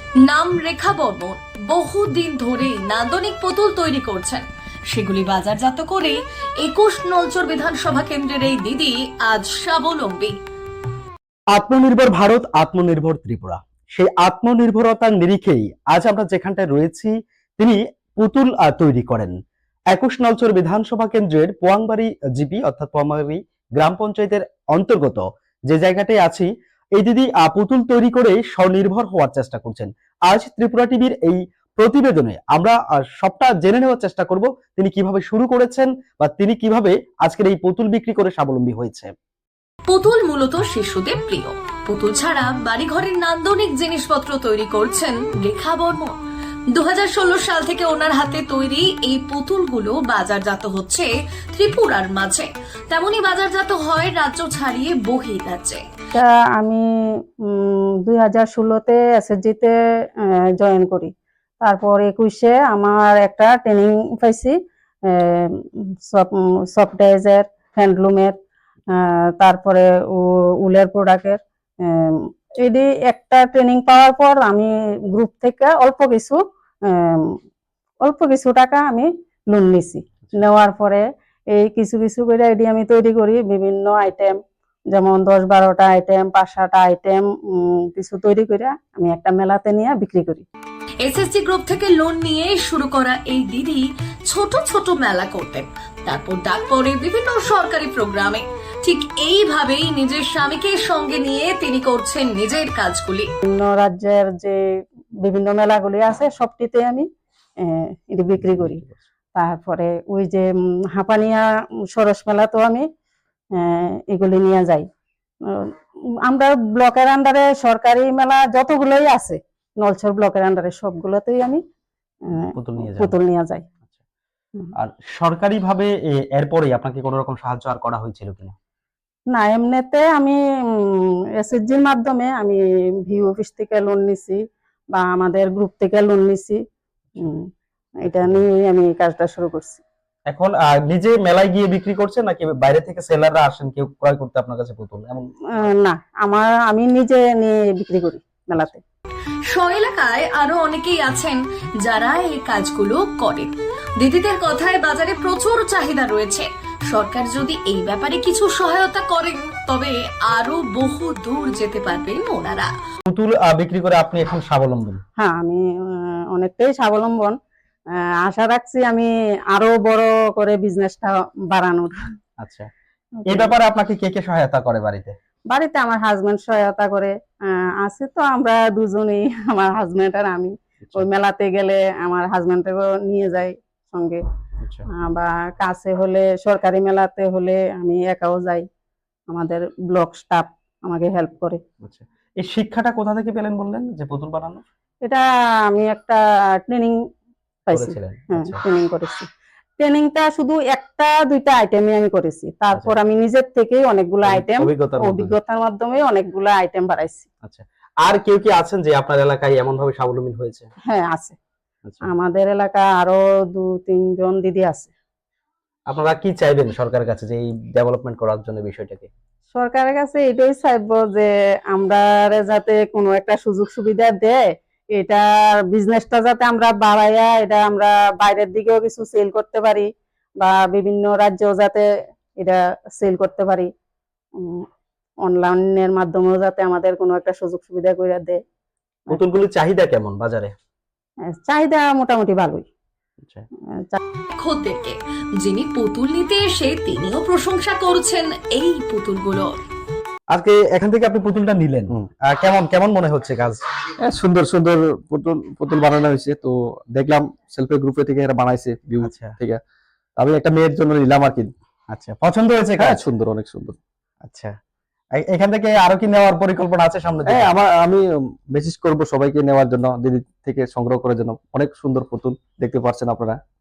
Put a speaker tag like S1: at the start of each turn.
S1: নাম রেখা বর্মন বহুদিন ধরেই নান্দনিক পুতুল তৈরি করছেন। সেগুলি বাজারজাত করে 21 নলচর বিধানসভা কেন্দ্রের এই দিদি আজ স্বাবলম্বী।
S2: আত্মনির্ভর ভারত, আত্মনির্ভর ত্রিপুরা, সেই আত্মনির্ভরতার নিরিখেই আজ আমরা যেখানটায় রয়েছি তিনি পুতুল তৈরি করেন। 21 নলচর বিধানসভা কেন্দ্রের পোয়াংবাড়ি জিপি অর্থাৎ পোয়াংবাড়ি গ্রাম পঞ্চায়েতের অন্তর্গত যে জায়গাটায় আছি, এই দিদি পুতুল তৈরি করে স্বনির্ভর হওয়ার চেষ্টা করছেন। আজ ত্রিপুরা টিভির এই প্রতিবেদনে আমরা সবটা জেনে নেওয়ার চেষ্টা করব তিনি কিভাবে শুরু করেছেন বা তিনি কিভাবে আজকের এই পুতুল বিক্রি করে স্বাবলম্বী হয়েছে।
S1: পুতুল মূলত শিশুদের প্রিয়। পুতুল ছাড়া বাড়িঘরের নান্দনিক জিনিসপত্র তৈরি করছেন রেখা বর্মন। 2016 সাল থেকে ওনার হাতে তৈরি এই পুতুলগুলো বাজারজাত হচ্ছে ত্রিপুরার মাঝে, তেমনি বাজারজাত হয় রাজ্য ছাড়িয়ে বহির্রাজ্যে।
S3: আমি 2016-তে এসএসজিতে জয়েন করি। তারপর 21-এ আমার একটা ট্রেনিং পাইছি সফটওয়্যার, হ্যান্ডলুমের, তারপরে উলের প্রোডাক্টের। এটি একটা ট্রেনিং পাওয়ার পর আমি গ্রুপ থেকে অল্প কিছু টাকা আমি লোন নিছি। নেওয়ার পরে এই কিছু কিছু করে এটি আমি তৈরি করি বিভিন্ন আইটেম, যেমন 10-12টা আইটেম, 5-6টা আইটেম কিছু তৈরি করে আমি একটা মেলাতে নিয়ে বিক্রি করি।
S1: এসএসজি গ্রুপ থেকে লোন নিয়ে শুরু করা এই দিদি ছোট ছোট মেলা করতেন, তারপর ডাক পড়ে বিভিন্ন সরকারি প্রোগ্রামে। ঠিক এইভাবেই নিজের স্বামীকে সঙ্গে নিয়ে তিনি করছেন নিজের কাজগুলি।
S3: বিভিন্ন রাজ্যের যে বিভিন্ন মেলাগুলি আছে সবটিতে আমি এটি বিক্রি করি। তারপরে ওই যে হাঁপানিয়া সরস মেলাতেও আমি এগুলি নিয়ে যাই। আমরা ব্লকের আন্ডারে সরকারি মেলা যতগুলোই আছে নলছর ব্লকের আন্ডারে সবগুলোতেই আমি পুতুল নিয়ে যাই।
S2: আর সরকারি ভাবে এরপরে আপনাকে কোনো রকম সাহায্য আর করা হয়েছিল কিনা?
S3: না, এমনিতে আমি এসএসজির মাধ্যমে আমি ভিউ অফিস থেকে লোন নিছি বা আমাদের গ্রুপ থেকে লোন নিছি। এটা নিয়ে আমি কাজটা শুরু করছি।
S2: এখন নিজে মেলায় গিয়ে বিক্রি করছেন নাকি বাইরে থেকে সেলাররা আসেন কেউ ক্রয় করতে আপনার কাছে পুতুল? এমন
S3: না, আমি নিজে নিয়ে বিক্রি করি মেলাতে।
S1: এলাকায় আরো অনেকেই আছেন যারা এই কাজগুলো করেন। দিদিদের কথায় বাজারে প্রচুর চাহিদা রয়েছে। সরকার যদি এই ব্যাপারে কিছু সহায়তা করেন তবে আরো বহু দূর যেতে পারবেন ওনারা।
S2: পুতুল বিক্রি করে আপনি এখন স্বাবলম্বী?
S3: হ্যাঁ, আমি অনেকটাই স্বাবলম্বন। আশা রাখছি আমি আরো বড় করে বিজনেসটা বাড়ানোর।
S2: আচ্ছা, এই ব্যাপারে আপনাকে কে কে সহায়তা করে বাড়িতে?
S3: বাড়িতে আমার হাজবেন্ড সহায়তা করে। আছে তো আমরা দুজনেই, আমার হাজবেন্ড আর আমি। ওই মেলাতে গেলে আমার হাজবেন্ডকেও নিয়ে যাই সঙ্গে, বা কাছে হলে সরকারি মেলাতে হলে আমি একাও যাই। আমাদের ব্লক স্টাফ আমাকে হেল্প করে।
S2: আচ্ছা, এই শিক্ষাটা কোথা থেকে পেলেন বললেন যে পুতুল বানানো?
S3: এটা আমি একটা ট্রেনিং পাইছি। হ্যাঁ, ট্রেনিং করেছি। ট্রেনিংটা শুধু 1-2টা আইটেমই আমি করেছি। তারপর আমি নিজের থেকেই অনেকগুলো আইটেম অভিজ্ঞতার মাধ্যমে অনেকগুলো আইটেম বাড়াইছি।
S2: আচ্ছা, আর কেউ কি আছেন যে আপনার এলাকায় এমন ভাবে স্বাবলম্বী হয়েছে?
S3: হ্যাঁ, আছে। আমাদের এলাকায় আরো 2-3 জন দিদি আছে।
S2: আপনারা কি চাইবেন সরকারের কাছে যে এই ডেভেলপমেন্ট করার জন্য বিষয়টাকে?
S3: সরকারের কাছে এটাই চাইবো যে আমরা যাতে কোনো একটা সুযোগ সুবিধা দেয়, এটার বিজনেসটা যাতে আমরা বাড়াইয়া এটা আমরা বাইরের দিকেও কিছু সেল করতে পারি বা বিভিন্ন রাজ্যেও যাতে এটা সেল করতে পারি। অনলাইনের মাধ্যমেও যাতে আমাদের কোনো একটা সুযোগ সুবিধা করে দেয়।
S2: পুতুলগুলির চাহিদা কেমন বাজারে?
S3: চাহিদা মোটামুটি ভালোই।
S1: খদ্দেরকে যিনি পুতুল নিতে এসে তিনিও প্রশংসা করছেন এই পুতুলগুলো।
S2: আজকে এখান থেকে আপনি পুতুলটা নিলেন, কেমন কেমন মনে হচ্ছে কাজ?
S4: সুন্দর সুন্দর পুতুল বানানো হয়েছে। তো দেখলাম সেলফ হেল্প গ্রুপে থেকে এরা বানাইছে ভিউ থেকে। আমি একটা মেয়ের জন্য নিলাম আর কি।
S2: আচ্ছা, পছন্দ হয়েছে কাজ?
S4: সুন্দর, অনেক সুন্দর।
S2: আচ্ছা, এখান থেকে আরো কি নেওয়ার পরিকল্পনা আছে সামনে?
S4: আমি মেসেজ করব সবাইকে নেওয়ার জন্য, দিদি থেকে সংগ্রহ করার জন্য। অনেক সুন্দর পুতুল দেখতে পাচ্ছেন আপনারা।